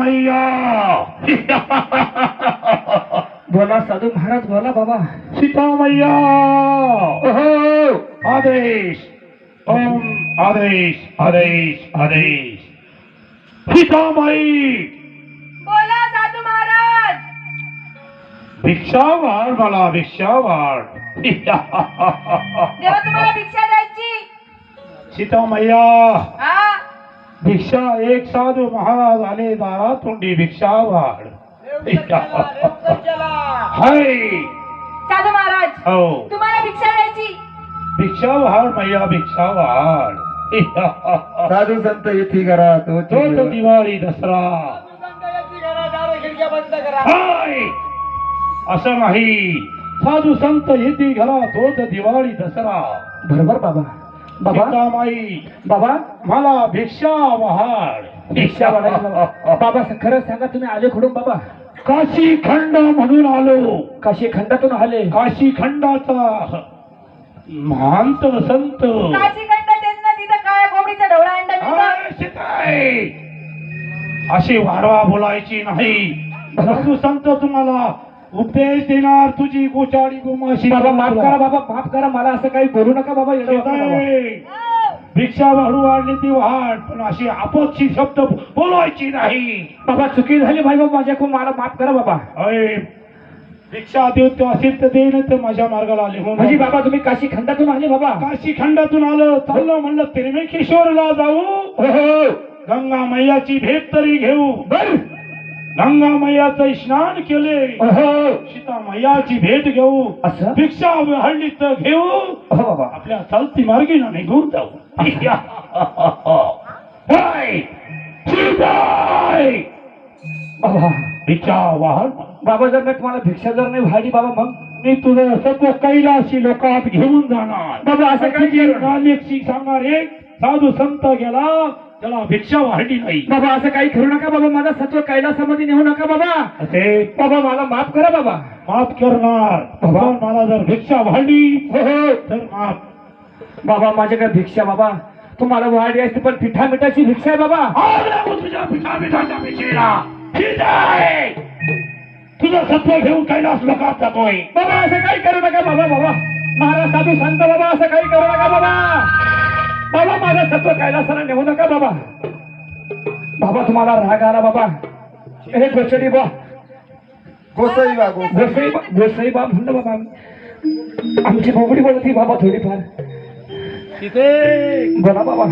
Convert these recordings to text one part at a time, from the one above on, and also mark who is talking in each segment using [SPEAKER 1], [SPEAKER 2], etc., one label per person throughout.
[SPEAKER 1] मैया
[SPEAKER 2] बोला साधू महाराज बोला बाबा.
[SPEAKER 1] सीता मैया आदेश ओम आदेश आदेश आदेश सीता माई
[SPEAKER 3] बोला साधू महाराज.
[SPEAKER 1] भिक्षा वाढ मला भिक्षा वाढ
[SPEAKER 3] देवा तुम्हाला भिक्षा द्यायची.
[SPEAKER 1] सीता मैया
[SPEAKER 3] हा
[SPEAKER 1] भिक्षा एक साधू महाराज आले दारा तोंडी भिक्षा वाढ हाय
[SPEAKER 3] साधू महाराज
[SPEAKER 1] हो
[SPEAKER 3] तुम्हाला भिक्षा द्यायची.
[SPEAKER 1] भिक्षा वाढ मैया भिक्षा वाढ
[SPEAKER 2] साधू संत येथे करा तो
[SPEAKER 1] तो दिवाळी दसरा हाय असं नाही साधू संत येते घरा तोच दिवाळी दसरा.
[SPEAKER 2] बरोबर बाबा. बाबा
[SPEAKER 1] सीता माई
[SPEAKER 2] बाबा
[SPEAKER 1] मला भिक्षा वाढ
[SPEAKER 2] भिक्षा वाढायला बाबा. बाबा खरं सांगा तुम्ही आले कुठून बाबा?
[SPEAKER 1] काशी खंड म्हणून आलो.
[SPEAKER 2] काशी खंडातून आले.
[SPEAKER 1] काशी खंडाचा महांत संत
[SPEAKER 3] काशी खंड तेच ना तिथं काळ्या कोंबडीचा ढवळा अंडा मिळतो.
[SPEAKER 1] हाय, सीताई. अशी वाढवा बोलायची नाही. साधू संत तुम्हाला उपदेश देणार तुझी गोचाडी गोमाशी.
[SPEAKER 2] बाबा माफ करा बाबा माफ करा मला असं काही बोलू नका बाबा. येडं वाका बाबा.
[SPEAKER 1] सीताई, भिक्षा वाढू वाढली ती वाढ पण अशी आपत्ती शब्द बोलायची नाही.
[SPEAKER 2] बाबा चुकी झाली भाई बाबा माझ्याकडून मला माफ करा बाबा.
[SPEAKER 1] अय, भिक्षा देऊ तो असेल तर देईन तर माझ्या मार्गाला आले हो
[SPEAKER 2] म्हणजे बाबा तुम्ही काशी खंडातून आले बाबा?
[SPEAKER 1] काशी खंडातून आलं चाललं म्हणलं त्रिमेकेश्वरला जाऊ.
[SPEAKER 2] हो
[SPEAKER 1] गंगा मैयाची भेट तरी घेऊ.
[SPEAKER 2] बर
[SPEAKER 1] गंगा मैयाचं स्नान केले.
[SPEAKER 2] हो
[SPEAKER 1] सीता मैयाची भेट घेऊ.
[SPEAKER 2] असं
[SPEAKER 1] भिक्षा हळली तर घेऊ.
[SPEAKER 2] हो बाबा.
[SPEAKER 1] आपल्या चालती मार्गीनं निघून जाऊ. हाय, सीताई.
[SPEAKER 2] बाबा
[SPEAKER 1] भिक्षा वाहन
[SPEAKER 2] बाबा जर मी तुम्हाला भिक्षा जर नाही वाढली बाबा मग
[SPEAKER 1] मी तुझं सत्व कैलाशी लोकात घेऊन जाणार.
[SPEAKER 2] बाबा असं काही केलं ना.
[SPEAKER 1] नालेक्षी सांगणार एक साधू संत गेला त्याला भिक्षा वाढली नाही.
[SPEAKER 2] बाबा असं काही करू नका बाबा. माझा सत्व कैलासामध्ये नेऊ नका बाबा.
[SPEAKER 1] असे
[SPEAKER 2] बाबा मला माफ करा बाबा.
[SPEAKER 1] माफ करणार.
[SPEAKER 2] बाबा.
[SPEAKER 1] पण मला जर भिक्षा वाढली
[SPEAKER 2] हो हो
[SPEAKER 1] तर माफ.
[SPEAKER 2] बाबा माझ्याकडे भिक्षा बाबा तुम्हाला वाढली असते पण पिठा मिठाची भिक्षा आहे बाबा.
[SPEAKER 1] आग लागू तुझ्या पिठा मिठाच्या भिक्षेला. ठीक आहे. तुझं सत्व घेऊन कैलास लोकात जातोय.
[SPEAKER 2] बाबा असं काही करू नका बाबा. बाबा महाराज साधू संत बाबा असं काही करू नका बाबा. बाबा माझं सत्व कैलासाला नेऊ नका बाबा. बाबा तुम्हाला राग आला बाबा. हे गोचडी बा
[SPEAKER 4] गोसाई बा गोसाई.
[SPEAKER 2] गोसाई बा म्हणलं बाबा. आमची बोबडी बोलती बाबा थोडीफार.
[SPEAKER 1] तिथे
[SPEAKER 2] बोला बाबा.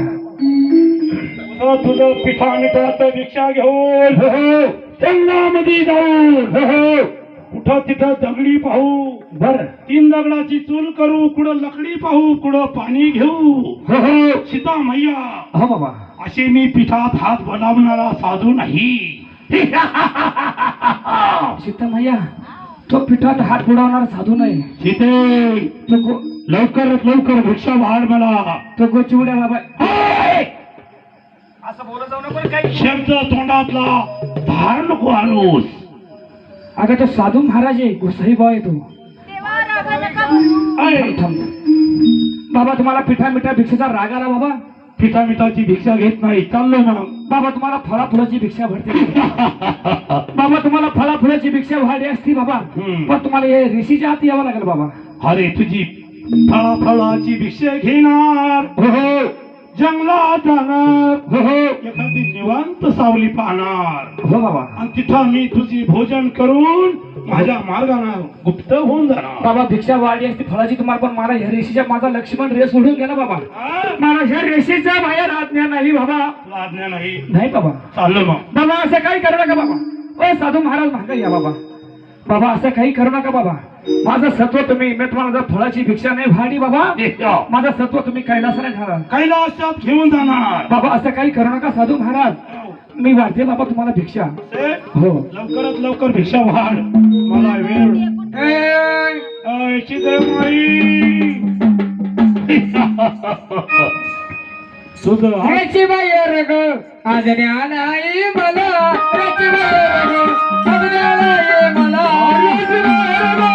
[SPEAKER 1] तुझं पिठा मिठाचं भिक्षा घेऊन जंगलामध्ये जाऊन कुठं तिथं दगडी पाहू.
[SPEAKER 2] बर
[SPEAKER 1] 3 दगडाची चूल करू. कुठं लकडी पाहू. कुठं पाणी घेऊ. सीता मैया
[SPEAKER 2] हा बाबा.
[SPEAKER 1] असे मी पिठात हात बनवणारा साधू नाही.
[SPEAKER 2] सीता मैया तो पिठात हात बुडवणार साधू नाही.
[SPEAKER 1] सीते
[SPEAKER 2] तो
[SPEAKER 1] लवकरात लवकर भिक्षा वाढ मला.
[SPEAKER 2] तो गोचिवड्या बाबा.
[SPEAKER 1] हाय!
[SPEAKER 2] असं बोलत जाऊ नको काही.
[SPEAKER 1] शब्द तोंडातला धार नको आणूस.
[SPEAKER 2] अगं तो साधू महाराज आहे. गोसाई बा आहे तो.
[SPEAKER 3] देवा रागा नका म्हणू.
[SPEAKER 1] हाय!
[SPEAKER 2] थांब. बाबा तुम्हाला पिठा मिठा भिक्षेचा राग आला बाबा.
[SPEAKER 1] पिठा मिठाची भिक्षा घेत नाही. चाललो मग.
[SPEAKER 2] बाबा तुम्हाला फळा फुलाची भिक्षा भरते. बाबा तुम्हाला फळा फुलाची भिक्षा वाढली असती बाबा. पण तुम्हाला हे ऋषीच्या हाती यावं लागेल बाबा.
[SPEAKER 1] अरे तुझी फळाफळाची भिक्षा घेणार.
[SPEAKER 2] हो
[SPEAKER 1] जंगलात जाणार. एखादी निवांत सावली पाहणार.
[SPEAKER 2] हो बाबा.
[SPEAKER 1] आणि तिथं मी तुझी भोजन करून माझ्या मार्गाने गुप्त होऊन जाणार.
[SPEAKER 2] बाबा भिक्षा वाढली असती फळाची तुम्हाला पण मला ह्या रेषेच्या माझा लक्ष्मण रेस उडून गेला बाबा. मला ह्या रेषेच्या बाहेर आज्ञा नाही बाबा.
[SPEAKER 1] तुला आज्ञा नाही.
[SPEAKER 2] नाही बाबा.
[SPEAKER 1] चाललो मग.
[SPEAKER 2] बाबा असं काही करू नका बाबा. ओ साधू महाराज मागा या बाबा. बाबा असं काही करू नका बाबा. माझं सत्व तुम्ही मी तुम्हाला जर फळाची भिक्षा नाही वाढली बाबा माझं सत्व तुम्ही कैलासाला नेणार.
[SPEAKER 1] कैलासात घेऊन जाणार.
[SPEAKER 2] बाबा असं काही करू नका साधू महाराज. मी वाढते बाबा तुम्हाला भिक्षा. हो
[SPEAKER 1] लवकरात लवकर भिक्षा वाढ. मला वेळ. तुझं
[SPEAKER 2] याची बाहेर ग आजण्या नाही मला. याची बाहेर ग आजण्या नाही मला. याची बाहेर ग.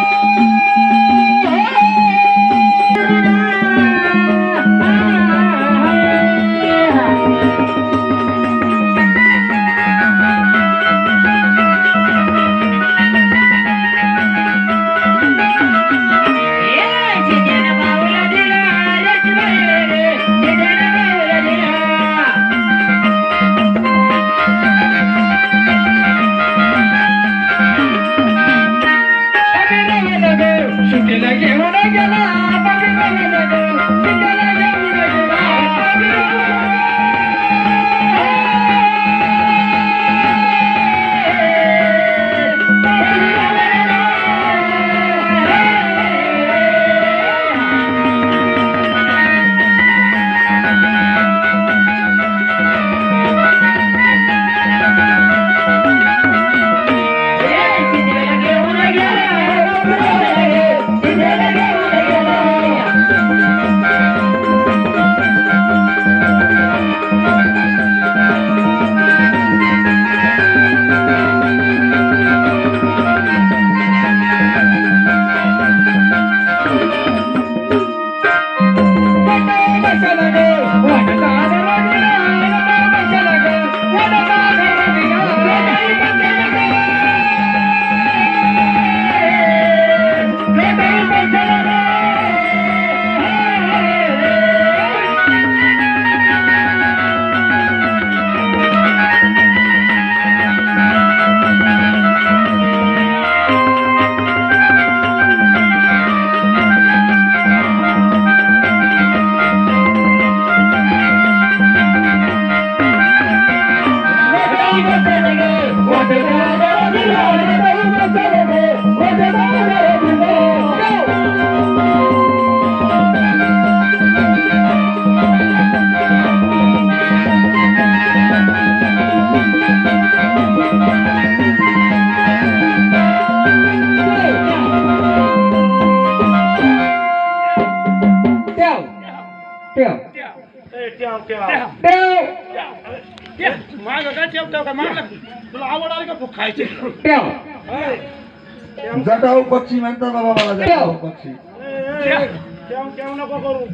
[SPEAKER 1] माग काय ठेवतो का माग तुला आवड आली का खायची
[SPEAKER 2] ट्याव
[SPEAKER 4] जटाऊ पक्षी म्हणतात बाबा मला जटाऊ पक्षी
[SPEAKER 1] ठेव नको करू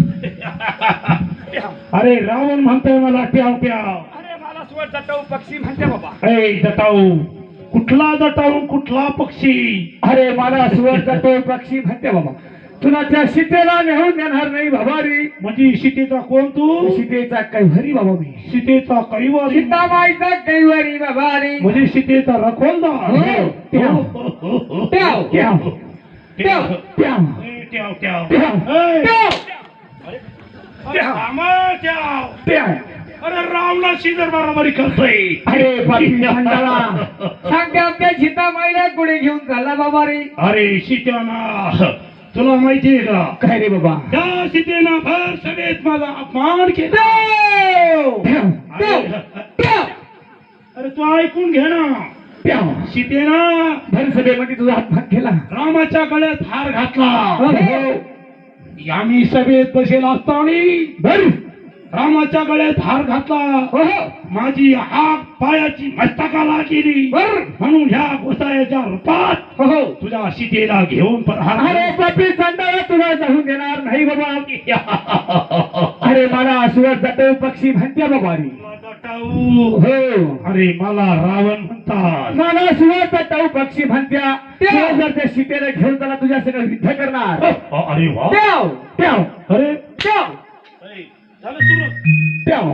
[SPEAKER 1] अरे रावण म्हणतोय मला ट्याव ट्याव
[SPEAKER 2] अरे मला स्वर जटाऊ पक्षी म्हणते बाबा
[SPEAKER 1] ए जटाऊ कुठला जटाऊ कुठला पक्षी
[SPEAKER 2] अरे मला स्वर जटाऊ पक्षी म्हणते बाबा तुला त्या सीतेला नेऊन देणार नाही भवारी
[SPEAKER 1] म्हणजे सीतेचा कोण तू
[SPEAKER 2] सीतेचा कैवारी बाबा मी
[SPEAKER 1] सीतेचा कैवारी
[SPEAKER 2] सीताबाईचा कैवारी भवारी
[SPEAKER 1] म्हणजे सीतेचा रखोलदार
[SPEAKER 2] हो. ट्याव. ट्याव. ट्याव. ट्याव. ट्याव.
[SPEAKER 1] ए, ट्याव ट्याव
[SPEAKER 2] ट्याव.
[SPEAKER 1] ए,
[SPEAKER 2] ट्याव.
[SPEAKER 1] अरे थांबा, ट्याव.
[SPEAKER 2] ट्याव.
[SPEAKER 1] अरे रावणा शिजर बरोबरी करतोय
[SPEAKER 2] अरे पापी भांडाला सांगते आमच्या सीताबाईला पुढे घेऊन चालला बाबा रे
[SPEAKER 1] अरे सीत्याना तुला माहितीये का
[SPEAKER 2] काय रे बाबा
[SPEAKER 1] त्या सीतेना भर सभेत माझा अपमान केला
[SPEAKER 2] ट्याव. ट्याव. ट्याव.
[SPEAKER 1] अरे तू ऐकून घे ना
[SPEAKER 2] ट्याव.
[SPEAKER 1] सीतेना
[SPEAKER 2] भर सभेमध्ये तुझा अपमान केला
[SPEAKER 1] रामाच्या गळ्यात हार घातला
[SPEAKER 2] हो.
[SPEAKER 1] आम्ही सभेत बसेल असताना
[SPEAKER 2] भर
[SPEAKER 1] रामाच्या गळ्यात हार घातला
[SPEAKER 2] हो.
[SPEAKER 1] माझी हात पायाची मस्तकाला गेली
[SPEAKER 2] बर.
[SPEAKER 1] म्हणून ह्या गोसायाच्या रूपात
[SPEAKER 2] हो.
[SPEAKER 1] तुझ्या सीतेला घेऊन प्रहार
[SPEAKER 2] अरे पापी चांडाला तुला जाऊन देणार नाही बाबा अरे मला सुरत जटाऊ पक्षी म्हणते बाबा रे
[SPEAKER 1] जटाऊ.
[SPEAKER 2] हो.
[SPEAKER 1] अरे मला रावण म्हणतात
[SPEAKER 2] मला सुरत जटाऊ पक्षी म्हणत्या ते जर त्या सीतेला घेऊन त्याला तुझ्या सगळं युद्ध करणार
[SPEAKER 1] अरे वा
[SPEAKER 2] ट्याव. ट्याव.
[SPEAKER 1] अरे
[SPEAKER 2] ट्याव.
[SPEAKER 1] झालं सुरू
[SPEAKER 2] ट्याव.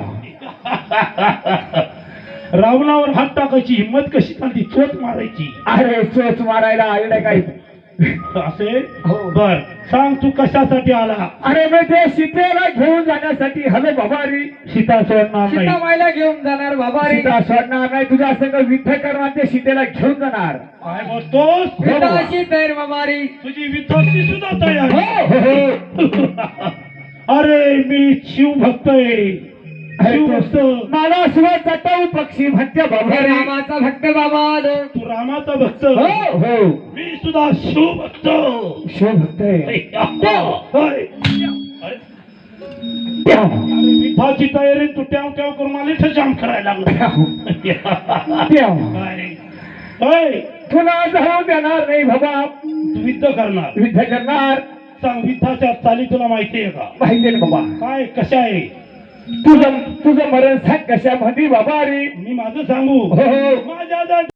[SPEAKER 1] रावणावर हात टाकायची हिंमत कशी चालती चोच मारायची
[SPEAKER 2] अरे चोच मारायला आईला काय
[SPEAKER 1] असे
[SPEAKER 2] हो.
[SPEAKER 1] बर सांग तू कशासाठी आला
[SPEAKER 2] अरे मी ते सीतेला घेऊन जाण्यासाठी हवे बाबा रे
[SPEAKER 1] सीता सोडणार नाही
[SPEAKER 2] सीताबाईला घेऊन जाणार बाबा रे सीता सोडणार नाही तुझ्या संग युद्ध करणार ते सीतेला घेऊन जाणार
[SPEAKER 1] काय बोलतोस
[SPEAKER 2] विठाशी तयार बाबा रे
[SPEAKER 1] तुझी विध्वंसी सुद्धा तयार
[SPEAKER 2] हो.
[SPEAKER 1] अरे मी शिवभक्त आहे शिवभक्त
[SPEAKER 2] मला सुरत जटाऊ पक्षी म्हणते बाबा रे रामाचा भक्त बाबा
[SPEAKER 1] तू रामाचा भक्त
[SPEAKER 2] हो. हो.
[SPEAKER 1] मी सुद्धा शिवभक्त
[SPEAKER 2] शिवभक्त
[SPEAKER 1] होय. अरे विठाची तयारी तू ट्याव ट्याव करून मला इथं जाम करायला लागलो काय? होय.
[SPEAKER 2] तुला जाऊ देणार नाही बाबा
[SPEAKER 1] तू युद्ध करणार
[SPEAKER 2] युद्ध करणार
[SPEAKER 1] सांग विठाच्या चाली तुला माहिती आहे का
[SPEAKER 2] माहिती आहे बाबा
[SPEAKER 1] काय कशा आहे
[SPEAKER 2] तुझं मरण सांग कशामध्ये बाबा रे
[SPEAKER 1] मी माझं सांगू
[SPEAKER 2] हो.
[SPEAKER 1] माझ्या